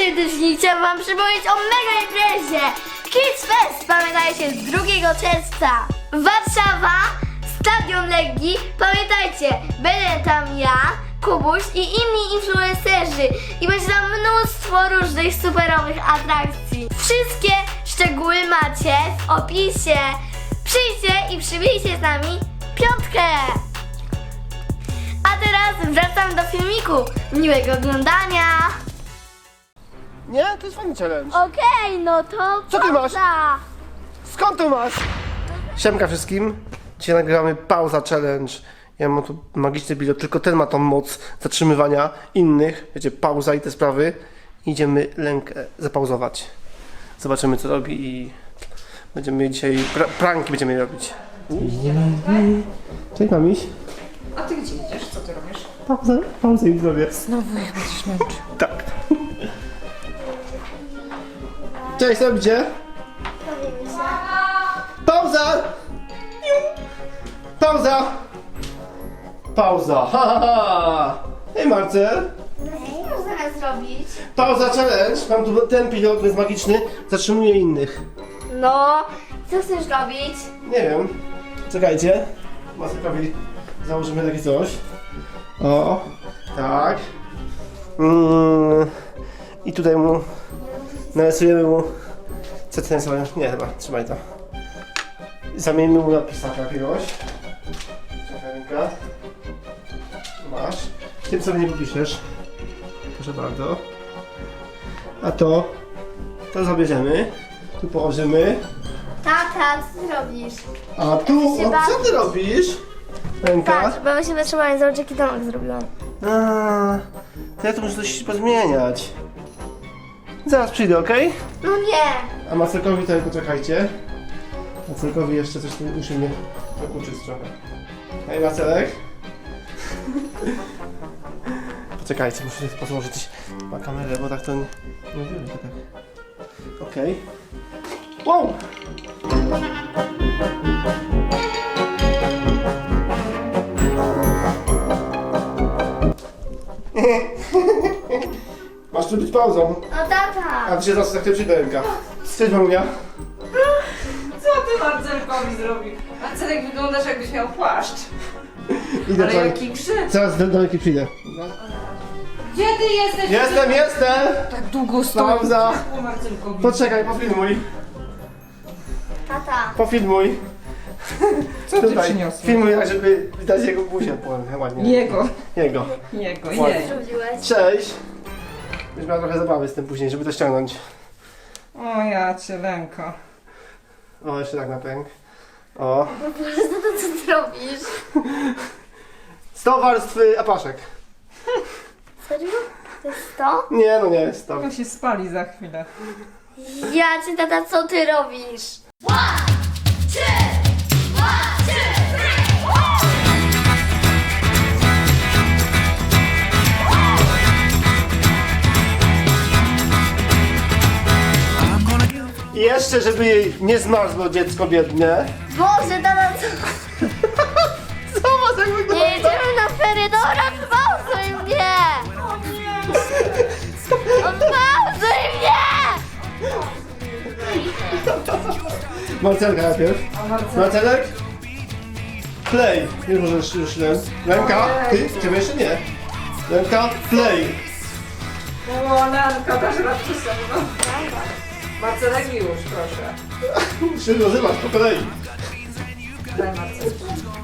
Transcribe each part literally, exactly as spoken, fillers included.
serdecznie chciałam wam przypomnieć o mega imprezie Kids Fest, pamiętajcie, z drugiego czerwca. Warszawa, Stadion Legii, pamiętajcie, będę tam ja, Kubuś i inni influencerzy i będzie tam mnóstwo różnych superowych atrakcji. Wszystkie szczegóły macie w opisie. Przyjdźcie i przybijcie z nami piątkę. A teraz wracam do filmiku. Miłego oglądania. Nie? To jest fajny challenge. Okej, okay, no to Co ty masz? pauza. Skąd to masz? Siemka wszystkim. Dzisiaj nagrywamy pauza challenge. Ja mam tu magiczny bilet, tylko ten ma tą moc zatrzymywania innych. Wiecie, pauza i te sprawy. Idziemy rękę zapauzować. Zobaczymy co robi i będziemy dzisiaj pra pranki będziemy robić. Cześć mamiś. A ty gdzie idziesz? Co ty robisz? Pauzę, pauzę i zrobię. Znowu jak będziesz męczył. Tak. Cześć, co robicie? Pauza! Pauza! Pauza! Ha, ha, ha. Hej Marcel! Co zamiast zrobić? Pauza challenge. Mam tu ten pilot, jest magiczny. Zatrzymuje innych. No, co chcesz robić? Nie wiem. Czekajcie. Masekowi założymy takie coś. O, tak. Mm. I tutaj mu narysujemy mu. Co ten sobie? Nie, chyba, trzymaj to. Zamienimy mu na pisaka jakiegoś. Czekaj, ręka. Masz. Tym sobie nie popiszesz. Proszę bardzo. A to, to zabierzemy. Tu położymy. Tata, co ty robisz? A tu, o, co ty robisz? Ręka. Patrz, bo my się zatrzymali, zobacz jaki domek zrobiłam. A, to ja tu muszę coś pozmieniać. Zaraz przyjdę, ok? No nie. A Marcelkowi to poczekajcie. Marcelkowi jeszcze coś tu musi mnie dokuczyć trochę. Hej Marcelek. Poczekajcie, muszę pozłożyć na kamerę, bo tak to nie, nie wiem, tak. Okej. Okay. Wow! Masz tu być pauzą. No tata. A ty się zaraz tak przyjdę ręka. Cześć mamunia. Co ty Marcelkowi zrobił? Marcelek, wyglądasz jakbyś miał płaszcz. Idę Ale do jaki krzyk. Zaraz do, do ręki przyjdę. Gdzie ty jesteś? Jestem, jestem! Tak długo stoi. Pauza. O Marcelkowi. Poczekaj, pofilmuj. Tata. Pofilmuj. Co ty Tutaj. przyniosłeś? Filmuj, tak żeby widać jego buzię ładnie. Jego. Jego. Jego, Ładnie. jej. Zrobiłeś? Cześć. Już miała trochę zabawy z tym później, żeby to ściągnąć. O ja cię lęko. O, jeszcze tak na pęk. O. Po prostu to co ty robisz? sto warstw y, apaszek. Serio? To jest to? Nie, no nie jest sto. On się spali za chwilę. Ja cię tata, co ty robisz? I jeszcze, żeby jej nie zmarzło dziecko biedne. Boże, tata, co? Zobacz jak Nie wygląda. jedziemy na ferie, dobra, pauzuj mnie! Pauzuj mnie! Marcelka najpierw. Marcelek? Play. Nie możesz już ręk. Ręka? Ty? Ciebie jeszcze nie. Ręka? Play. O Lanka, dasz radę ze mną. Marcelek już, proszę. Się nazywasz po kolei. Daj Marcelek.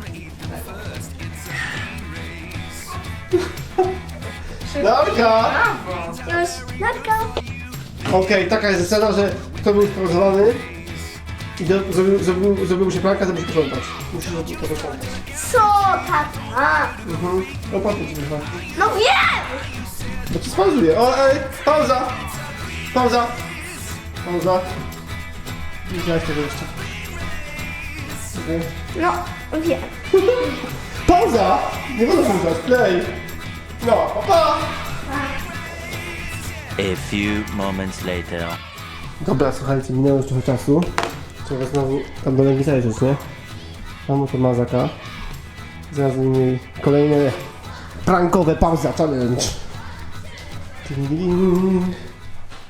Narka! Brawo. Już, Narka. Okej, taka jest zasada, że kto był sprowadzony i do, zrobił, zrobił, zrobił mu się planka, to musi posprzątać. Musisz to posprzątać. Co, tata? Mhm. O, patrzcie ci wychodzi. No wiem! Bo ci spauzuje. O, ej, pauza! Pauza! Pauza. Nie widziałeś tego jeszcze. Okay. No, wiem. Pauza! Nie wolno słuchać, play! No, pa, pa! A few moments later. Dobra, słuchajcie, minęło już trochę czasu. Trzeba znowu tam do Legii zajrzeć, nie? Mam oto mazaka. Zaraz mieli kolejne prankowe pauza challenge. Ding, ding.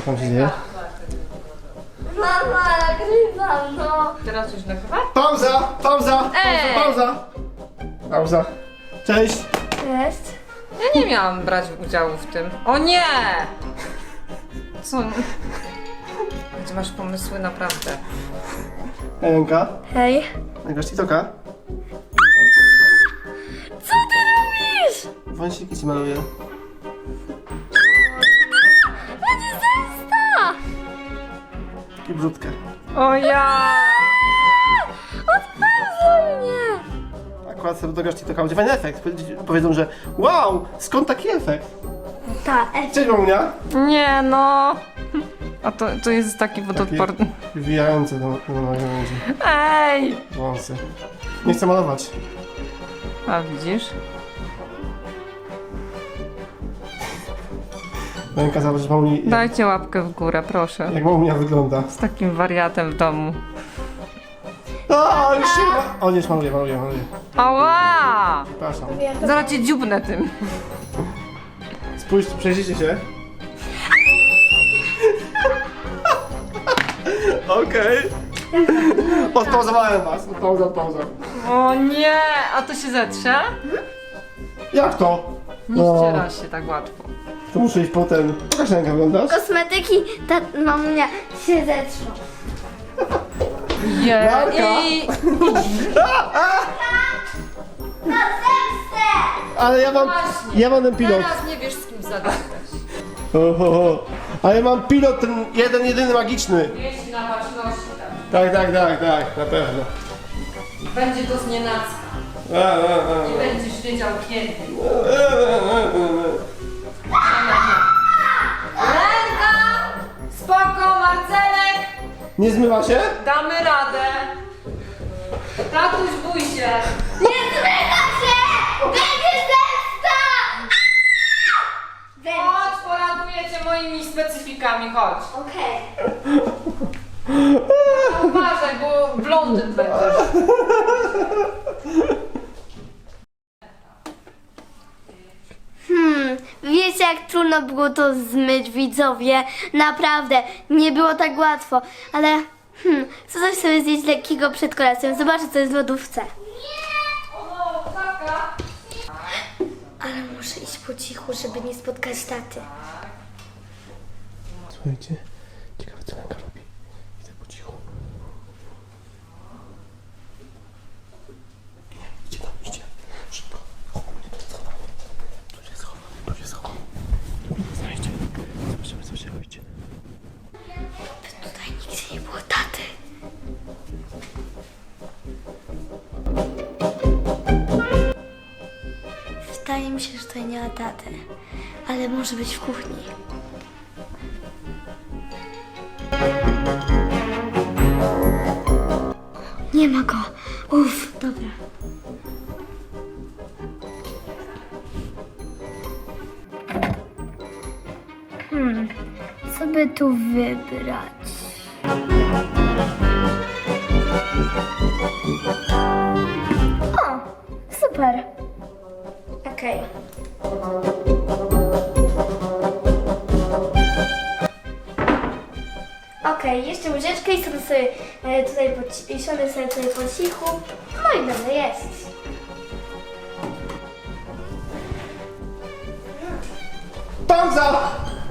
Co tam się dzieje? Mama, nagrywam, no. Teraz już nagrywa? Pauza! Pauza! Ej! Pauza! Pauza! Cześć! Cześć. Ja nie miałam brać udziału w tym. O nie! Co? Gdzie masz pomysły naprawdę? Elenka, Hej. nagrasz TikToka? Co ty robisz? Wąsiki ci maluję. Będzie zemsta! I brzutkę. O ja! Odpędzaj mnie! Akurat sobie dograsz TikToka, będzie fajny efekt. Powiedzą, że wow, skąd taki efekt? Ta, F. Cześć Mamunia! Nie no! A to, to jest taki wodoodporny. Wbijające do, do nagrędzi. Ej! Wąsy. Nie chcę malować. A widzisz? Ręka zobacz, Mamuni, jak, Dajcie łapkę w górę, proszę. jak Mamunia wygląda. Z takim wariatem w domu. O, już się... O, nie, już maluję, maluję, maluję. Ała! Przepraszam. Zaraz cię dziubnę tym. Spójrz, przejrzyjcie się. Okej. Odpauzowałem was. Pauza, pauza. O nie! A to się zetrze? Jak to? Nie ściera się tak łatwo. To muszę iść potem. Pokaż rękę, wyglądasz? Kosmetyki, ta mamunia się zetrzą. Marka. Jej! Na zemstę! Ale ja mam, Właśnie. ja mam ten pilot. Teraz nie wiesz z kim zagadać. Ho, ho, ho. Ale mam pilot, ten jeden, jedyny magiczny. Jeździ na baczności tak. Tak, tak, tak, tak, na pewno. Będzie to znienacka. A, a, a. Nie będziesz wiedział kiedy. Ręka! Spoko, Marcelek! Nie zmywa się? Damy radę. Tatuś, bój się. Nie zmyka się! Będzie zemsta! Będzie. Chodź, poraduję cię moimi specyfikami, chodź. Okej. Uważaj, bo blondyn będziesz. Hmm, wiecie jak trudno było to zmyć, widzowie? Naprawdę, nie było tak łatwo, ale hmm, co coś sobie zjeść lekkiego przed kolacją, zobaczę co jest w lodówce. O no, taka. Ale muszę iść po cichu, żeby nie spotkać taty. Słuchajcie, ciekawe co Lenka robi. Idę po cichu. Nie, idzie tam, idzie. Szybko. Chowamy, schowamy. Tu się schowamy, tu się schowamy. Tu mnie znajdzie. Zobaczymy co się robicie. Tutaj nigdzie nie było taty. Wydaje mi się, że tutaj nie ma taty, ale może być w kuchni. Nie ma go. Uff, dobra. Hmm, co by tu wybrać? O, super. Okej. Okej, jeszcze łyżeczkę i sobie, sobie e, tutaj po, ci- siądę sobie tutaj po cichu. No i dobrze jest. Pauza!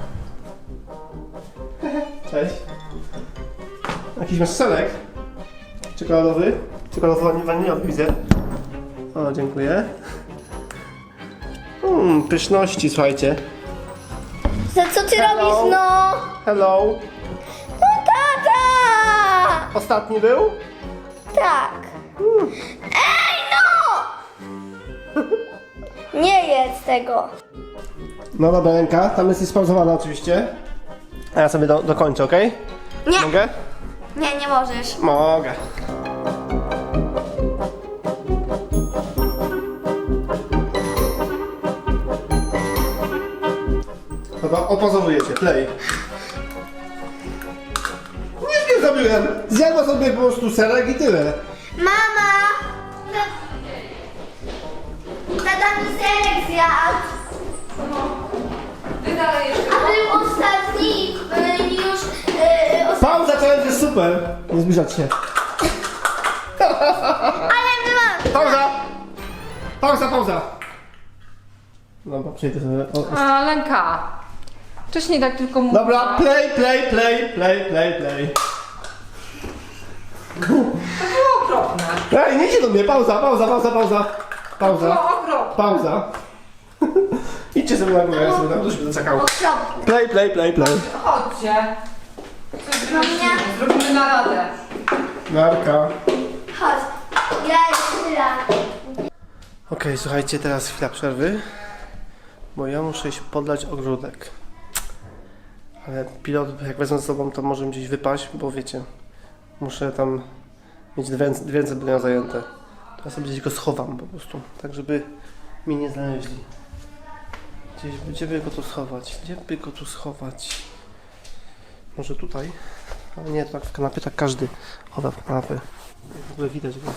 Cześć. Jakiś masz selek? Czekoladowy? Czekoladowy waniliowy widzę. O, dziękuję. Mmm, pyszności, słuchajcie. Za co ty Hello? robisz, no? Hello. No tata! Ostatni był? Tak. Ej, no! Nie jedz tego. No dobra, ręka, tam jest spauzowana oczywiście. A ja sobie do, dokończę, okej? Nie. Mogę? Nie, nie możesz. Mogę. Dobra, opozowujecie, play. Nic nie zrobiłem. Zjadła sobie po prostu serek i tyle. Mama! Tata mi serek zjadł. Wy dalej jeszcze. A był ostatni. y, Pauza, challenge jest super! Nie zbliżać się. Ale my mamy... Pauza! Pauza, pauza! Dobra, przejdę sobie. O, A, Lenka. Wcześniej tak tylko mówiła. dobra, play, play, play, play, play, play. To było okropne. Ej, nie idźcie do mnie, pauza, pauza, pauza, pauza. To Pauza, było okropne. pauza. Idźcie sobie na górę, ja sobie tam ktoś będę czekał. Okropnie. Play, play, play, play. Chodźcie. Coś No wymyślimy. nie. Zrobimy naradę. Narka. Chodź. Ja jeszcze raz. Okej, słuchajcie, teraz chwila przerwy. Bo ja muszę iść podlać ogródek. Ale pilot, jak wezmę ze sobą, to może gdzieś wypaść, bo wiecie, muszę tam mieć dwie ręce, dwie ręce będą zajęte. To ja sobie gdzieś go schowam po prostu, tak żeby mi nie znaleźli. Gdzieś, gdzie by go tu schować? Gdzie by go tu schować? Może tutaj? Ale nie, tak w kanapie tak każdy chowa w kanapę. W ogóle widać go.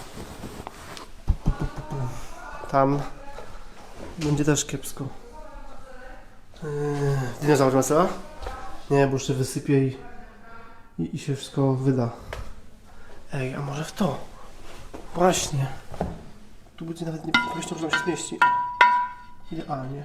Tam będzie też kiepsko. Yy, dinozaur Marcela? Nie, bo jeszcze wysypię i, i, i się wszystko wyda. Ej, a może w to? Właśnie. Tu będzie nawet nie pomyślał, że tam się zmieści. Idealnie.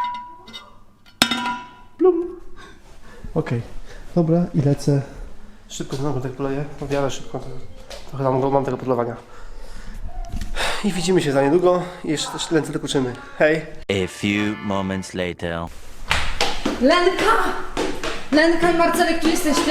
Blum. Okej, dobra i lecę. Szybko znowu tak poleję. O wiele szybko. Trochę tam mam tego podlewania. I widzimy się za niedługo i jeszcze też ręce dokuczymy. Hej! A few moments later. Lenka! Lenka i Marcelek, tu jesteście?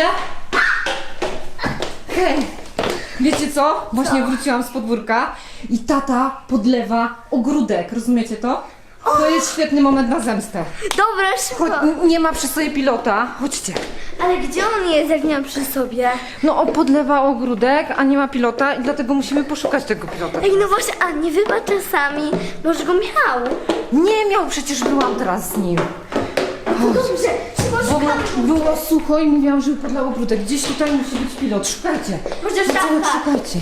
Hej! Wiecie co? Właśnie wróciłam z podwórka i tata podlewa ogródek, rozumiecie to? To jest świetny moment na zemstę. Dobra, Chodź, szybko. n- nie ma przy sobie pilota. Chodźcie. Ale gdzie on jest, jak nie ma przy sobie? No on podlewa ogródek, a nie ma pilota i dlatego musimy poszukać tego pilota. Ej, no właśnie, a nie wybacz czasami. Może go miał. Nie miał, przecież byłam teraz z nim. Dobrze, szybko Bo szukamy. było sucho i mówiłam, żeby podlał ogródek. Gdzieś tutaj musi być pilot, szukajcie. Może w Marcelek, szafkach. szukajcie.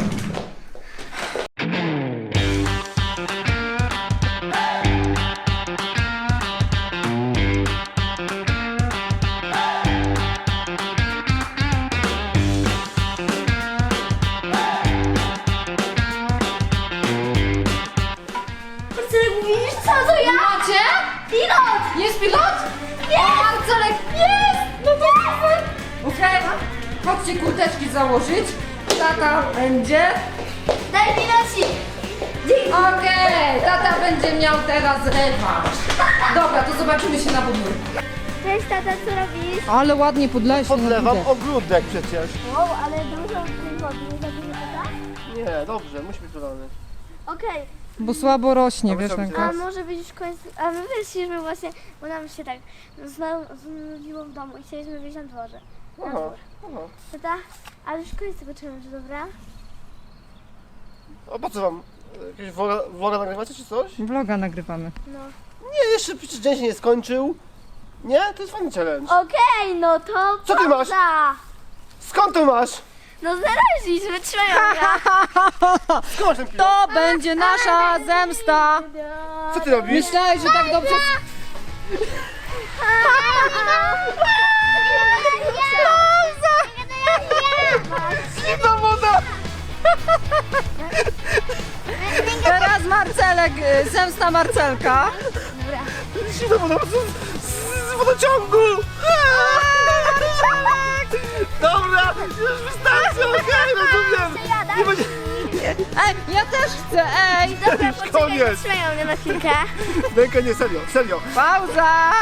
Marcelek, mówisz co, to ja? Macie? Pilot! Jest pilot? Jest! O, Marcelek, jest! No to super! Okej, chodźcie kurteczki założyć. Tata będzie. Daj pilocik. Dzięki. Okej, tata będzie miał teraz rewanż. Dobra, to zobaczymy się na podwórku. Cześć tata, co robisz? Ale ładnie podleś. Podlewam ogródek przecież. Wow, ale dużo tej wody, nie za dużo tata? Nie, dobrze, musi być dodany. Okej, Bo słabo rośnie, Dobra, wiesz, co Lenka. a może być już koniec, a my wyszliśmy właśnie, bo nam się tak zna- znudziło w domu i chcieliśmy wyjść na dworze. Na Aha, dwór. aha. Tata, ale już koniec tego challenge'u, dobra? A po co wam? Jakieś vloga, vloga nagrywacie czy coś? Vloga nagrywamy. No. Nie, jeszcze przecież dzień się nie skończył. Nie? To jest fajny challenge. Okej, no to Co ty masz? pauza. Skąd to masz? No znaleźliśmy, trzymają mnie. Skąd masz ten pilot? To będzie nasza zemsta. Co ty robisz? Myślałeś, że tak dobrze... Zimna woda! Teraz Marcelek, y, zemsta Marcelka. Zimna woda z, z, z wodociągu! Dobra, już wystarczy, okej, rozumiem. Nie będzie... Ej, ja też chcę, ej. Dobra, Już poczekaj, koniec. trzymają mnie na chwilkę. Ręka nie, serio, serio. Pauza.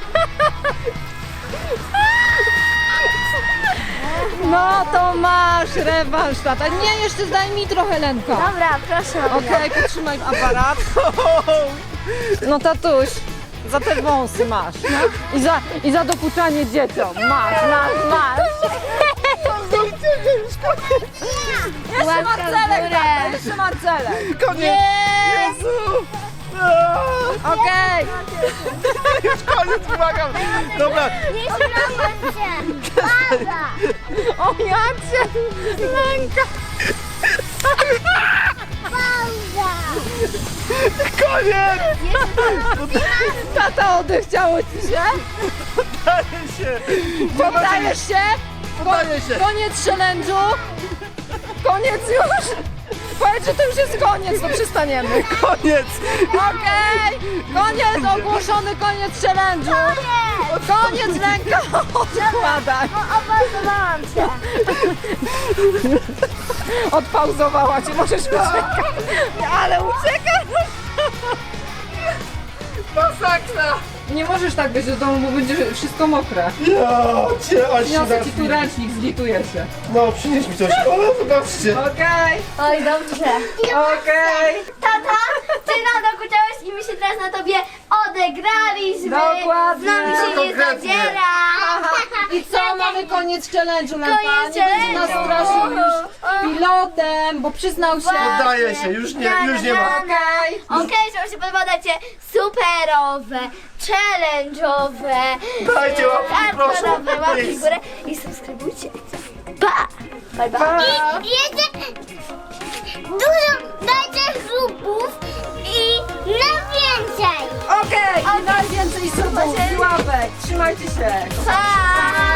No to masz rewanż, tata. Nie, jeszcze daj mi trochę, Lenka. Dobra, proszę. Okej, podtrzymaj aparat. No tatuś, za te wąsy masz. No. I, za, I za dokuczanie dzieciom. Masz, masz, masz. Jeszcze Łapka w Marcelek, górę. tata, jeszcze Marcelek. Koniec! Nie. Jezu! Aaa, Okej. już koniec, błagam! Dobra, Nie śmiałam się. Pauza. O jacie, Lenka. Pauza. koniec! Tata, odechciało ci się? Daję się! Poddajesz się? Poddaję się. Koniec challenge'u. Koniec już. Powiedz, że to już jest koniec, to przestaniemy. Koniec. Okej, koniec, ogłoszony koniec challenge'u. Koniec ręka, odkładaj. No, obalowałam cię. Odpauzowała cię, możesz uciekać. Ale uciekasz. Masakra. Nie możesz tak być do domu, bo będzie wszystko mokre. Ja cię, aż się Przyniosę ci tu zacznie. ręcznik, zlituję się. No, przynieś mi coś. O, zobaczcie. Okej, Oj, dobrze. okej. Tata, ty nam dokuczałeś i my się teraz na tobie odegraliśmy. Dokładnie. Z nami się nie Konkretnie. zadziera. I co, mamy koniec challenge'u, Lenka? Koniec Nie będzie nas challenge'u. straszył już pilotem, bo przyznał się. Poddaję się, już nie, już nie ma. Okej. Okej, że wam się podoba, dajcie superowe, challenge'owe, Dajcie łapki, proszę. hardkorowe łapki w Please. górę i subskrybujcie. Pa! Bye bye. I jeszcze dużo dajcie subów i na więcej. Okej, i najwięcej subów i łapek. Trzymajcie się. Pa!